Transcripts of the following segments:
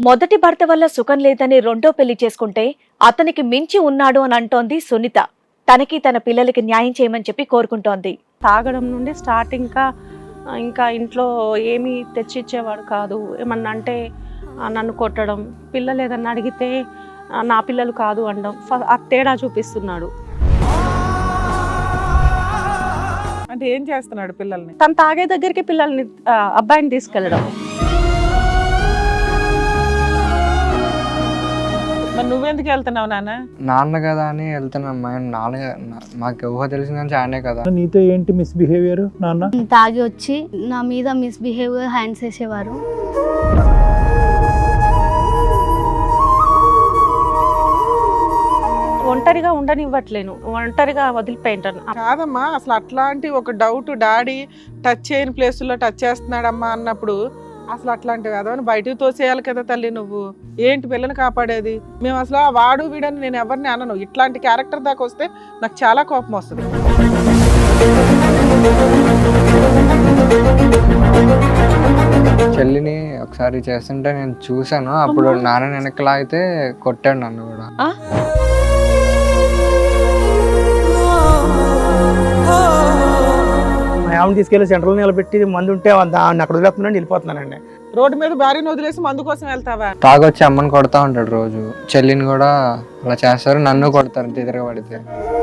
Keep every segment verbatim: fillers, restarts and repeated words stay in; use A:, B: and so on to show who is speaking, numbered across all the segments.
A: మొదటి భర్త వల్ల సుఖం లేదని రెండో పెళ్లి చేసుకుంటే అతనికి మించి ఉన్నాడు అని అంటోంది సునీత. తనకి తన పిల్లలకి న్యాయం చేయమని చెప్పి కోరుకుంటోంది.
B: తాగడం నుండి స్టార్ట్ ఇంకా ఇంకా ఇంట్లో ఏమీ తెచ్చిచ్చేవాడు కాదు. ఏమన్నా అంటే ఆ, నన్ను కొట్టడం, పిల్లలు ఏదన్నా అడిగితే ఆ, నా పిల్లలు కాదు అనడం, ఫ- ఆ తేడా చూపిస్తున్నాడు.
C: అంటే ఏం చేస్తున్నాడు పిల్లల్ని?
B: తను తాగే దగ్గరికి పిల్లల్ని ఆ, అబ్బాయిని తీసుకెళ్ళడం.
C: మరి నువ్వెందుకు వెళ్తున్నావు నాన్న?
D: నాన్న కదా అని వెళ్తున్నాం. మా నాన్న నా- మాకు ఊహ తెలిసిన నుంచి ఆయనే కదా.
E: నీతో ఏంటి మిస్బిహేవియర్ నాన్న?
F: తాగి వచ్చి నా మీద మిస్బిహేవియర్ హ్యాండ్స్ వేసేవారు.
B: ఒంటరిగా ఉండనివ్వట్లేను, ఒంటరిగా వదిలిపోయింటాను.
C: కాదమ్మా, అసలు అట్లాంటి ఒక డౌట్ డాడీ టచ్ చేయని ప్లేసుల్లో టచ్ చేస్తున్నాడమ్మా అన్నప్పుడు అసలు అట్లాంటివి కదా అని బయటకు తోసేయాలి కదా తల్లి. నువ్వు ఏంటి పిల్లని కాపాడేది? మేము అసలు ఆ వాడు వీడని నేను ఎవరిని అనను. ఇట్లాంటి క్యారెక్టర్ దాకా వస్తే నాకు చాలా కోపం వస్తుంది.
D: చెల్లిని ఒకసారి చేస్తుంటే నేను చూశాను. అప్పుడు నాన్న వెనకలా అయితే కొట్టాడు నన్ను కూడా.
A: ఆ?
E: మా ఆమెను తీసుకెళ్లి సెంట్రల్ నిలబెట్టి మందు ఉంటే దాన్ని అక్కడ వదిలేస్తున్నాను, వెళ్ళిపోతున్నానండి.
C: రోడ్డు మీద భార్యను వదిలేసి మందు కోసం వెళ్తావా?
D: తాగొచ్చి అమ్మని కొడతా ఉంటాడు రోజు. చెల్లిని కూడా అలా చేస్తారు, నన్ను కొడతారు తిరగబడితే.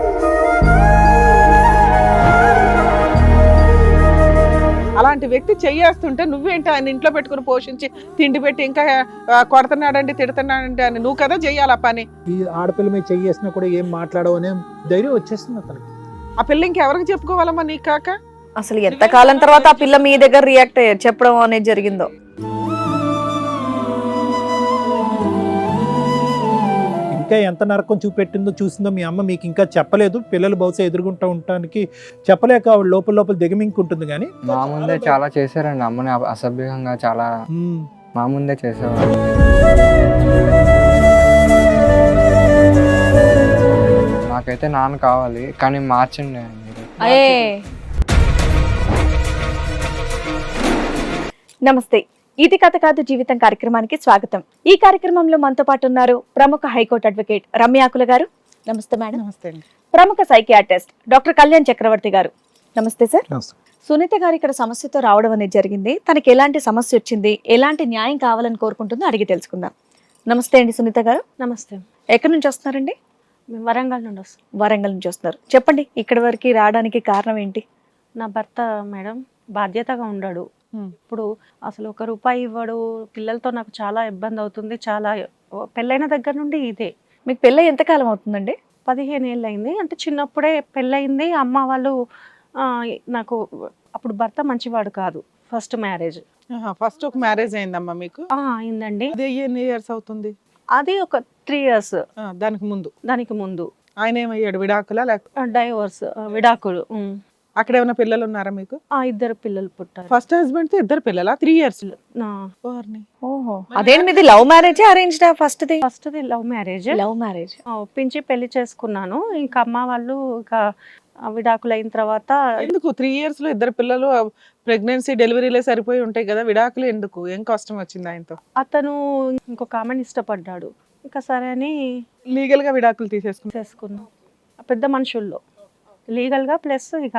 C: అలాంటి వ్యక్తి చెయ్యేస్తుంటే నువ్వేంటి ఆయన ఇంట్లో పెట్టుకుని పోషించి తిండి పెట్టి ఇంకా ఆ, కొడుతున్నాడంటే తిడుతున్నాడంటే అని నువ్వు కదా చెయ్యాలి ఆ పని.
E: ఈ ఆడపిల్ల మీద చెయ్యేసినా కూడా ఏం మాట్లాడవు అనే ధైర్యం వచ్చేస్తుంది అతనికి.
C: ఆ పిల్ల ఇంకెవరికి చెప్పుకోవాలమ్మా నీకు కాక?
A: అసలు ఎంత కాలం తర్వాత ఆ పిల్ల మీ దగ్గర రియాక్ట్ అయ్యారు చెప్పడం అనేది జరిగిందో.
E: ఇంకా ఎంత నరకం చూపెట్టిందో చూసిందో మీ అమ్మ మీకు ఇంకా చెప్పలేదు. పిల్లలు బహుశా ఎదుర్కొంటూ ఉండటానికి చెప్పలేక ఆవిడ లోపల లోపల దిగమింకుంటుంది. కానీ
D: మా ముందే చాలా చేశారండి. అమ్మని అ- అసభ్యంగా చాలా
E: ఉమ్,
D: మా ముందే చేసేవారు. నాకైతే నాన్న కావాలి, కానీ మార్చండి ఆయన మీరు.
A: అయ్యే నమస్తే, ఇది కథ కాదు జీవితం కార్యక్రమానికి స్వాగతం. ఈ కార్యక్రమంలో మనతో పాటు ఉన్నారు ప్రముఖ హైకోర్టు అడ్వకేట్ రమ్యాకుల గారు. నమస్తే మేడం.
C: నమస్తే అండి.
A: ప్రముఖ సైకియాట్రిస్ట్ డాక్టర్ కళ్యాణ్ చక్రవర్తి గారు. నమస్తే సార్. సునీత గారు ఇక్కడ సమస్యతో రావడం అనేది జరిగింది. తనకి ఎలాంటి సమస్య వచ్చింది, ఎలాంటి న్యాయం కావాలని కోరుకుంటుందో అడిగి తెలుసుకుందాం. నమస్తే అండి సునీత గారు.
B: నమస్తే.
A: ఎక్కడి నుంచి వస్తున్నారండి?
B: మేము వరంగల్ నుండి వస్తాం.
A: వరంగల్ నుంచి వస్తున్నారు. చెప్పండి, ఇక్కడి వరకు రావడానికి కారణం ఏంటి?
B: నా భర్త మేడం బాధ్యతగా ఉండడు.
C: ఉమ్.
B: ఇప్పుడు అసలు ఒక రూపాయి ఇవ్వడు. పిల్లలతో నాకు చాలా ఇబ్బంది అవుతుంది. చాలా పెళ్ళైన దగ్గర నుండి ఇదే.
A: మీకు పెళ్ళి ఎంతకాలం అవుతుందండి?
B: పదిహేను ఏళ్ళు అయింది. అంటే చిన్నప్పుడే పెళ్ళయింది. అమ్మ వాళ్ళు ఆ, నాకు అప్పుడు భర్త మంచివాడు కాదు. ఫస్ట్ మ్యారేజ్
C: ఫస్ట్ ఒక మ్యారేజ్ అయిందమ్మా మీకు?
B: అయిందండి.
C: అదే ఎన్ని ఇయర్స్ అవుతుంది?
B: అది ఒక త్రీ ఇయర్స్
C: ఆ, దానికి ముందు
B: దానికి ముందు
C: ఆయన ఏమయ్యాడు? విడాకులా లేక
B: డైవోర్స్, విడాకులు. ఉమ్.
C: అక్కడ ఏమైనా పిల్లలు ఉన్నారా మీకు?
B: ఆ ఇద్దరు పిల్లలు పుట్టారు.
C: ఫస్ట్ హస్బెండ్ తో ఇద్దరు పిల్లలా? త్రీ ఇయర్స్
B: నా
A: ఓహో, అదేంటి మీది లవ్ మ్యారేజ్ అరేంజ్డా? ఫస్ట్ ది
B: ఫస్ట్ది లవ్ మ్యారేజ్.
A: Love marriage.
B: ఒప్పించి పెళ్లి చేసుకున్నాను. ఇంకా అమ్మ వాళ్ళు ఇక విడాకులు అయిన తర్వాత
C: ఎందుకు త్రీ ఇయర్స్ లో ఇద్దరు పిల్లలు ప్రెగ్నెన్సీ డెలివరీలే సరిపోయి ఉంటాయి కదా, విడాకులు ఎందుకు? ఏం కష్టం వచ్చింది ఆయనతో?
B: అతను ఇంకొక ఆమెను ఇష్టపడ్డాడు. ఇంకా సరే అని
C: లీగల్ గా విడాకులు తీసేసుకున్నా.
B: చేసుకున్నాం. పెద్ద మనుషుల్లో లీగల్గా ప్లస్ ఇక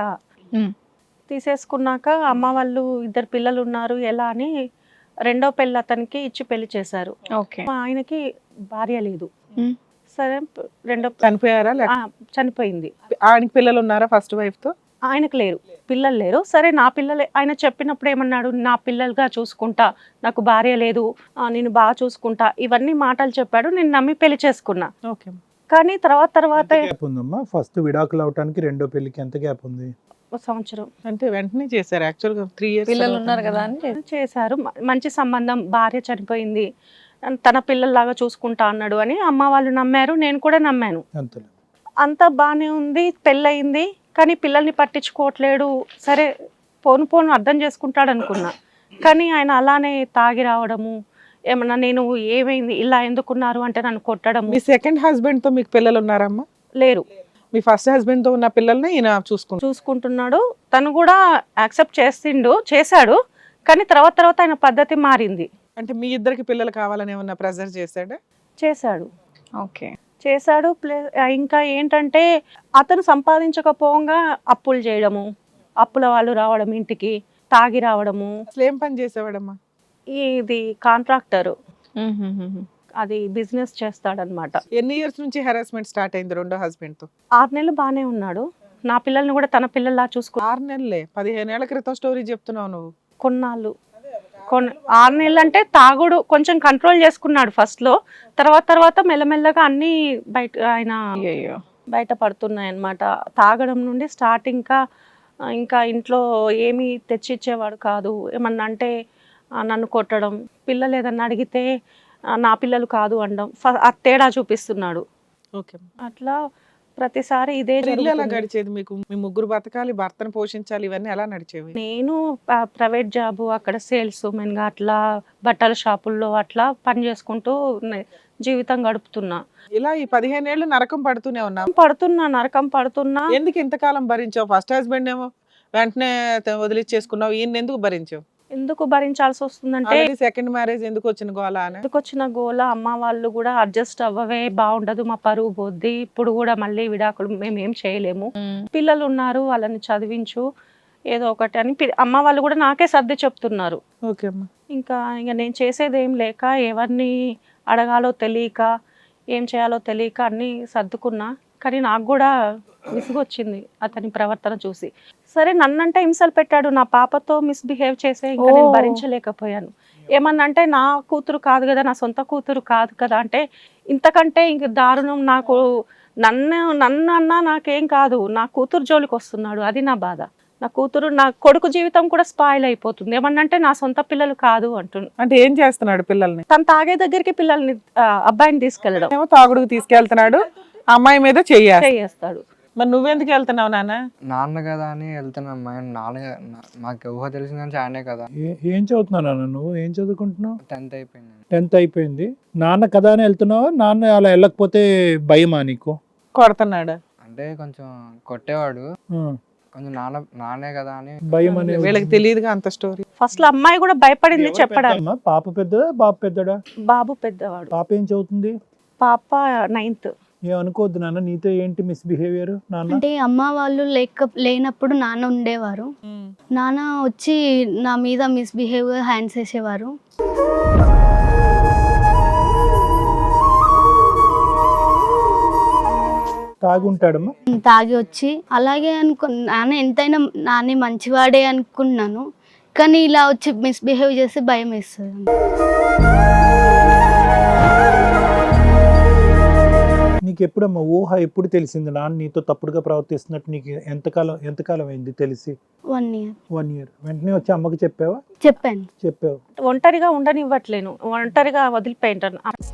B: తీసేసుకున్నాక అమ్మ వాళ్ళు ఇద్దరు పిల్లలు ఉన్నారు ఎలా అని రెండో పెళ్ళి అతనికి ఇచ్చి పెళ్లి చేశారు.
A: ఓకే.
B: మా ఆయనకి భార్య లేదు. సరే రెండో
C: చనిపోయారా లేక
B: ఆ, చనిపోయింది.
C: ఆయనకి పిల్లలు ఉన్నారా ఫస్ట్ వైఫ్ తో?
B: ఆయనకు లేరు, పిల్లలు లేరు. సరే నా పిల్లలే. ఆయన చెప్పినప్పుడు ఏమన్నాడు, నా పిల్లలుగా చూసుకుంటా, నాకు భార్య లేదు, ఆ, నేను బాగా చూసుకుంటా, ఇవన్నీ మాటలు చెప్పాడు. నేను నమ్మి పెళ్లి చేసుకున్నా.
C: ఓకే.
B: కానీ తర్వాత తర్వాత
E: గ్యాప్ ఉందమ్మా. ఫస్ట్ విడాకులు అవటానికి రెండో పెళ్లికి ఎంత గ్యాప్ ఉంది?
B: ఒక సంవత్సరం
C: అంటే వెంటనే చేశారు యాక్చువల్ గా త్రీ ఇయర్స్
A: పిల్లలు ఉన్నారు కదా అని చేసి-
B: చేశారు. మ- మంచి సంబంధం, భార్య చనిపోయింది, తన పిల్లల్లాగా చూసుకుంటా అన్నాడు అని అమ్మ వాళ్ళు నమ్మారు. నేను కూడా నమ్మాను.
E: అంతలో
B: అంతా బాగానే ఉంది. పెళ్ళయింది, కానీ పిల్లల్ని పట్టించుకోవట్లేడు. సరే పోను పోను అర్థం చేసుకుంటాడు అనుకున్నా. కానీ ఆయన అలానే తాగి రావడము, ఏమన్నా నేను ఏమైంది ఇలా ఎందుకున్నారు అంటే నన్ను కొట్టడము.
C: మీ సెకండ్ హస్బెండ్ తో మీకు పిల్లలు ఉన్నారమ్మా?
B: లేరు.
C: మీ ఫస్ట్ హస్బెండ్ తో ఉన్న పిల్లల్ని ఈయన చూసుకుంటారు.
B: చూసుకుంటున్నాడు. తను కూడా యాక్సెప్ట్ చేసిండు, చేశాడు. కానీ తర్వాత తర్వాత ఆయన పద్ధతి మారింది.
C: అంటే మీ ఇద్దరికి పిల్లలు కావాలని ఏమన్నా ప్రెజర్ చేశాడా?
B: చేశాడు
A: ఓకే.
B: చేశాడు ప్లస్ ఇంకా ఏంటంటే అతను సంపాదించకపోగా అప్పులు చేయడము, అప్పుల వాళ్ళు రావడం ఇంటికి తాగి రావడము.
C: అసలు ఏం పని చేసేవాడమ్మా?
B: ఇది కాంట్రాక్టర్, అది బిజినెస్ చేస్తాడనమాట.
C: ఎన్ని ఇయర్స్ నుంచి హెరాస్మెంట్ స్టార్ట్ అయింది రెండో హస్బెండ్ తో?
B: ఆరు నెలలు బాగానే ఉన్నాడు. నా పిల్లల్ని కూడా తన పిల్లల్లా చూసుకో.
C: ఆరు నెలలే? పదిహేను ఏళ్ల క్రితం స్టోరీ చెప్తున్నావు నువ్వు.
B: కొన్నాళ్ళు కొన్ని ఆరు నెలలు అంటే తాగుడు కొంచెం కంట్రోల్ చేసుకున్నాడు ఫస్ట్ లో, తర్వాత తర్వాత మెల్లమెల్లగా అన్ని బయట ఆయన
A: అయ్యో.
B: బయట పడుతున్నాయి అన్నమాట. తాగడం నుండి స్టార్ట్. ఇంకా ఇంకా ఇంట్లో ఏమీ తెచ్చిచ్చేవాడు కాదు. ఏమన్నా అంటే ఆ, నన్ను కొట్టడం, పిల్లలు ఏదన్నా అడిగితే ఆ, నా పిల్లలు కాదు అనడం, ఫ- ఆ తేడా చూపిస్తున్నాడు.
C: ఓకే.
B: అట్లా ప్రతిసారి ఇదే
C: ఇల్లు ఎలా
B: జరుగుతుంది.
C: గడిచేది మీకు? మీ ముగ్గురు బతకాలి, భర్తను పోషించాలి, ఇవన్నీ ఎలా నడిచేవి?
B: నేను ప- ప్రైవేట్ జాబు, అక్కడ సేల్స్ మెన్గా అట్లా బట్టల షాపుల్లో అట్లా పని చేసుకుంటూ నే- జీవితం గడుపుతున్నా.
C: ఇలా ఈ పదిహేను ఏళ్ళు నరకం పడుతూనే ఉన్నాం.
B: పడుతున్నా నరకం పడుతున్నా.
C: ఎందుకు ఇంతకాలం భరించావు? ఫస్ట్ హస్బెండ్ ఏమో వెంటనే త- వదిలిచ్చేసుకున్నావు, ఈయన ఎందుకు భరించావు?
B: ఎందుకు భరించాల్సి వస్తుందంటే
C: సెకండ్ మ్యారేజ్ ఎందుకు వచ్చిన గోలా అని?
B: ఎందుకు వచ్చిన గోల, అమ్మ వాళ్ళు కూడా అడ్జస్ట్ అవ్వవే, బాగుండదు, మా పరువు పోద్ది, ఇప్పుడు కూడా మళ్ళీ విడాకులు మేము ఏం చేయలేము, పిల్లలు ఉన్నారు వాళ్ళని చదివించు ఏదో ఒకటి అని పి- అమ్మ వాళ్ళు కూడా నాకే సర్ది చెప్తున్నారు.
C: ఓకే అమ్మా.
B: ఇంకా ఇంకా నేను చేసేది ఏం లేక, ఎవరిని అడగాలో తెలియక, ఏం చేయాలో తెలియక అన్నీ సర్దుకున్నా. కానీ నాకు కూడా విసుగొచ్చింది అతని ప్రవర్తన చూసి. సరే నన్నంటే హింసలు పెట్టాడు, నా పాపతో మిస్బిహేవ్ చేసే ఇంకా నేను
A: ఓ.
B: భరించలేకపోయాను. ఏమన్నా అంటే నా కూతురు కాదు కదా, నా సొంత కూతురు కాదు కదా అంటే, ఇంతకంటే ఇంక దారుణం. నాకు నన్ను నన్ను అన్నా నాకేం కాదు, నా కూతురు జోలికి వస్తున్నాడు, అది నా బాధ. నా కూతురు, నా కొడుకు జీవితం కూడా స్పాయిల్ అయిపోతుంది. ఏమన్నా అంటే నా సొంత పిల్లలు కాదు అంటున్నా.
C: అంటే ఏం చేస్తున్నాడు పిల్లల్ని?
B: తను తాగే దగ్గరికి పిల్లల్ని ఆ, అబ్బాయిని తీసుకెళ్ళడం
C: ఏమో తాగుడుకు తీసుకెళ్తున్నాడు, అమ్మాయి మీద చెయ్యాలి.
B: చేస్తాడు.
C: మరి నువ్వెందుకు వెళ్తున్నావు నాన్న?
D: నాన్న కదా అని వెళ్తున్నాం. మా నాన్న నా- మాకు ఊహ తెలిసిన నుంచి ఆయనే కదా.
E: ఏ- ఏం చదువుతున్నావు నాన్న నువ్వు? ఏం చదువుకుంటున్నావు?
D: టెన్త్ అయిపోయింది.
E: టెన్త్ అయిపోయింది. నాన్న కదా అని వెళ్తున్నావా? నాన్న అలా వెళ్ళకపోతే భయమా నీకు?
C: కొడుతున్నాడు.
D: అంటే కొంచెం కొట్టేవాడు,
E: ఆ,
D: కొంచెం నాన్న నాన్నే కదా అని.
E: భయం అనే
C: వీళ్ళకి తెలియదుగా అంత స్టోరీ.
B: ఫస్ట్ లో అమ్మాయి కూడా భయపడింది చెప్పడానికి.
E: పెద్దమ్మా? పాప పెద్దదా బాబు పెద్దడా?
B: బాబు పెద్దవాడు,
E: పాప ఏం చదువుతుంది?
B: పాప నైన్త్.
E: ఏం అనుకోవద్దు నాన్న, నీతో ఏంటి మిస్బిహేవియర్ నాన్న?
F: అంటే అమ్మ వాళ్ళు లేక లేనప్పుడు నాన్న ఉండేవారు. నాన్న వచ్చి నా మీద మిస్బిహేవ్ హ్యాండ్స్ వేసేవారు.
E: తాగుంటాడమ్మా?
F: తాగి వచ్చి అలాగే అనుకు నాన్న ఎంతైనా నాన్న మంచివాడే అనుకున్నాను, కానీ ఇలా వచ్చి మిస్బిహేవ్ చేస్తే భయం వేస్తుంది.
E: నీకు ఎప్పుడమ్మా ఊహ ఎప్పుడు తెలిసింది నాన్న నీతో తప్పుడుగా ప్రవర్తిస్తున్నట్టు? నీకు ఎంతకాలం ఎంతకాలం అయింది తెలిసి?
F: One year
E: one year. వెంటనే వచ్చి అమ్మకి చెప్పావా?
F: చెప్పాను.
E: చెప్పావు.
B: ఒంటరిగా ఉండనివ్వట్లేను, ఒంటరిగా వదిలిపోయింటాను.